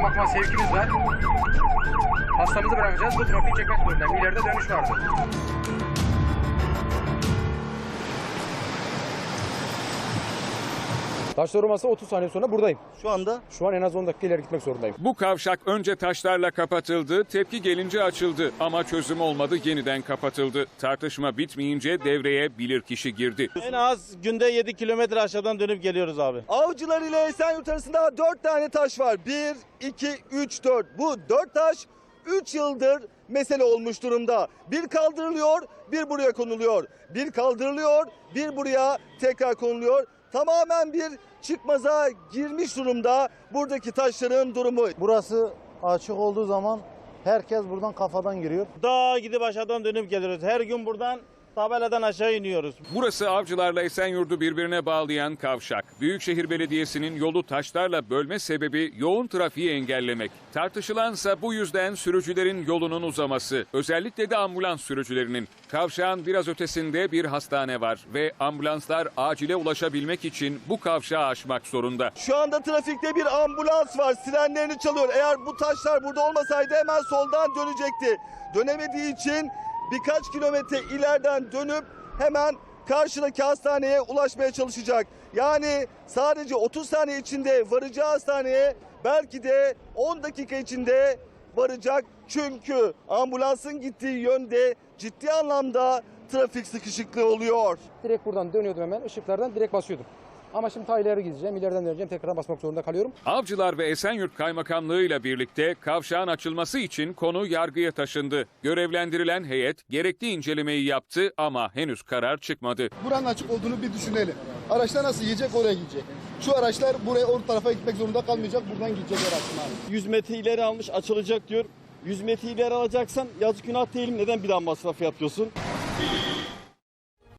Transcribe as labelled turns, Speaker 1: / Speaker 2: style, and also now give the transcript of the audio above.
Speaker 1: bakma sevkimiz var. Hastamızı bırakacağız. Bu trafiği çekmek zorundayım. İleride dönüş vardı. Taşlar olmasa 30 saniye sonra buradayım. Şu an en az 10 dakika ileri gitmek zorundayım.
Speaker 2: Bu kavşak önce taşlarla kapatıldı, tepki gelince açıldı ama çözüm olmadı, yeniden kapatıldı. Tartışma bitmeyince devreye bilirkişi girdi.
Speaker 3: En az günde 7 kilometre aşağıdan dönüp geliyoruz abi.
Speaker 4: Avcılar ile Esenyurt arasında 4 tane taş var. 1, 2, 3, 4. Bu 4 taş 3 yıldır mesele olmuş durumda. Bir kaldırılıyor, bir buraya konuluyor. Bir kaldırılıyor, bir buraya tekrar konuluyor. Tamamen bir çıkmaza girmiş durumda buradaki taşların durumu.
Speaker 5: Burası açık olduğu zaman herkes buradan kafadan giriyor.
Speaker 3: Daha gidip aşağıdan dönüp geliyoruz. Her gün buradan tabeladan aşağı iniyoruz.
Speaker 2: Burası Avcılar'la Esenyurt'u birbirine bağlayan kavşak. Büyükşehir Belediyesi'nin yolu taşlarla bölme sebebi yoğun trafiği engellemek. Tartışılansa bu yüzden sürücülerin yolunun uzaması. Özellikle de ambulans sürücülerinin. Kavşağın biraz ötesinde bir hastane var ve ambulanslar acile ulaşabilmek için bu kavşağı aşmak zorunda.
Speaker 4: Şu anda trafikte bir ambulans var. Sirenlerini çalıyor. Eğer bu taşlar burada olmasaydı hemen soldan dönecekti. Dönemediği için birkaç kilometre ileriden dönüp hemen karşıdaki hastaneye ulaşmaya çalışacak. Yani sadece 30 saniye içinde varacağı hastaneye belki de 10 dakika içinde varacak. Çünkü ambulansın gittiği yönde ciddi anlamda trafik sıkışıklığı oluyor.
Speaker 1: Direkt buradan dönüyordum hemen. Işıklardan direkt basıyordum. Ama şimdi ta ileri gideceğim. İleriden döneceğim. Tekrar basmak zorunda kalıyorum.
Speaker 2: Avcılar ve Esenyurt Kaymakamlığı'yla birlikte kavşağın açılması için konu yargıya taşındı. Görevlendirilen heyet gerekli incelemeyi yaptı ama henüz karar çıkmadı.
Speaker 6: Buranın açık olduğunu bir düşünelim. Araçlar nasıl yiyecek, oraya gidecek. Şu araçlar buraya, o tarafa gitmek zorunda kalmayacak. Buradan gidecekler aslında.
Speaker 3: 100 metre ileri almış, açılacak diyor. 100 metre ileri alacaksan yazık günah değil mi? Neden bir daha masraf yapıyorsun?